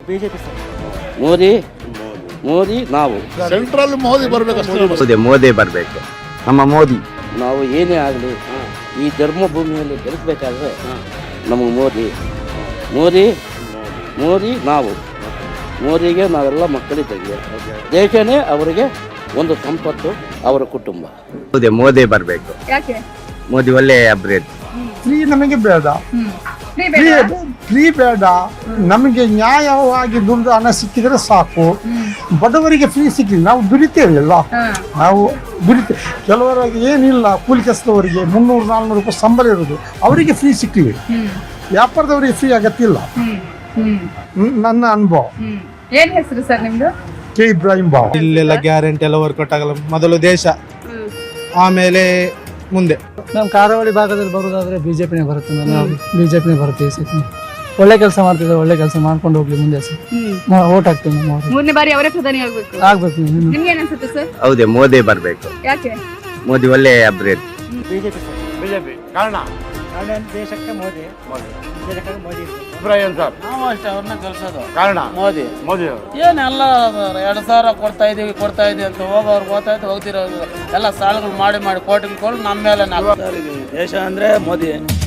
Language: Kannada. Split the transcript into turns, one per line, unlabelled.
BJP sir.
ಮೋದಿ ನಾವು
ಸೆಂಟ್ರಲ್ ಮೋದಿ ಬರಬೇಕು.
ಮೋದಿ ಬರಬೇಕು. ನಮ್ಮ ಮೋದಿ.
ನಾವು ಏನೇ ಆಗಲಿ ಈ ಧರ್ಮಭೂಮಿಯಲ್ಲಿ ಗೆಲ್ಲಿಸಬೇಕಾದ್ರೆ ನಮಗೆ ಮೋದಿ ನಾವು ಮೋದಿಗೆ ನಾವೆಲ್ಲ ಮಕ್ಕಳಿದ್ದಂಗೆ. ದೇಶನೇ ಅವರಿಗೆ ಒಂದು ಸಂಪತ್ತು, ಅವರ ಕುಟುಂಬ.
ಮೋದಿ ಬರಬೇಕು.
ಯಾಕೆ?
ಮೋದಿ ಒಳ್ಳೆ ಅಭಿವೃದ್ಧಿ.
ಫ್ರೀ ನಮಗೆ ಬೇಡ, ಫ್ರೀ ಬೇಡ. ನಮಗೆ ನ್ಯಾಯವಾಗಿ ದುಡ್ಡು ಹಣ ಸಿಕ್ಕಿದ್ರೆ ಸಾಕು. ಬಡವರಿಗೆ ಫ್ರೀ ಸಿಕ್ಕಿದ್ರೆ ನಾವು ದುಡಿತೇವೆಲ್ಲ, ನಾವು ದುಡಿತೇವೆ. ಕೆಲವರಿಗೆ ಏನಿಲ್ಲ, ಕೂಲಿ ಕೆಲಸದವರಿಗೆ 300-400 ರೂಪಾಯಿ ಸಂಬಳ ಇರೋದು, ಅವರಿಗೆ ಫ್ರೀ ಸಿಕ್ಕಿವೆ. ವ್ಯಾಪಾರದವರಿಗೆ ಫ್ರೀ ಆಗತ್ತಿಲ್ಲ. ನನ್ನ ಅನುಭವ.
ಏನ್ ಹೆಸರು ಸರ್ ನಿಮ್ದು?
ಕೆ ಇಬ್ರಾಹಿಂ ಬಾವ್.
ಇಲ್ಲೆಲ್ಲ ಗ್ಯಾರಂಟಿ ಎಲ್ಲ ವರ್ಕೌಟ್ ಆಗಲ್ಲ. ಮೊದಲು ದೇಶ, ಆಮೇಲೆ ಮುಂದೆ.
ನಮ್ಮ ಕಾರಾವಳಿ ಭಾಗದಲ್ಲಿ ಬರೋದಾದ್ರೆ ಬಿಜೆಪಿನೇ ಬರುತ್ತೆ. ನಾವು ಬಿಜೆಪಿನೇ ಬರುತ್ತೆ ಈ ಸತಿ. ಒಳ್ಳೆ ಕೆಲಸ ಮಾಡ್ತಿದ್ದಾರೆ, ಒಳ್ಳೆ ಕೆಲಸ ಮಾಡ್ಕೊಂಡು ಹೋಗ್ಲಿ ಮುಂದೆ ಸರ್. ಓಟ್ ಹಾಕ್ತೀವಿ ನಾವು.
3ನೇ ಬಾರಿ ಅವರೇ ಪ್ರಧಾನಿ ಆಗ್ಬೇಕು.
ಆಗ್ಬೇಕು.
ನಿಮ್ಗೆ ಏನ್ ಅನ್ಸುತ್ತೆ ಸರ್?
ಹೌದೇ, ಮೋದಿ ಬರಬೇಕು.
ಯಾಕೆ?
ಮೋದಿ ಒಳ್ಳೆ ಅಭಿವೃದ್ಧಿ.
BJP sir.
ಬಿಜೆಪಿ ಕಾರಣ
ದೇಶಕ್ಕೆ ಮೋದಿ ದೇಶಕ್ಕೆ ಮೋದಿ
ಇಬ್ರಾಹಿಂ ಸರ್.
ನಾವು ಅಷ್ಟೇ ಅವ್ರನ್ನ ಕಲ್ಸೋದು.
ಕಾರಣ
ಮೋದಿ ಏನೆಲ್ಲ 2000 ಕೊಡ್ತಾ ಇದೀವಿ ಅಂತ ಹೋಗೋರ್ಗೆ ಹೋಗ್ತಿರೋ ಎಲ್ಲ ಸಾಲಗಳು ಮಾಡಿ ಕೋಟಿಗಳು ನಮ್ಮ ಮೇಲೆ ನಾವು.
ದೇಶ ಅಂದ್ರೆ ಮೋದಿ.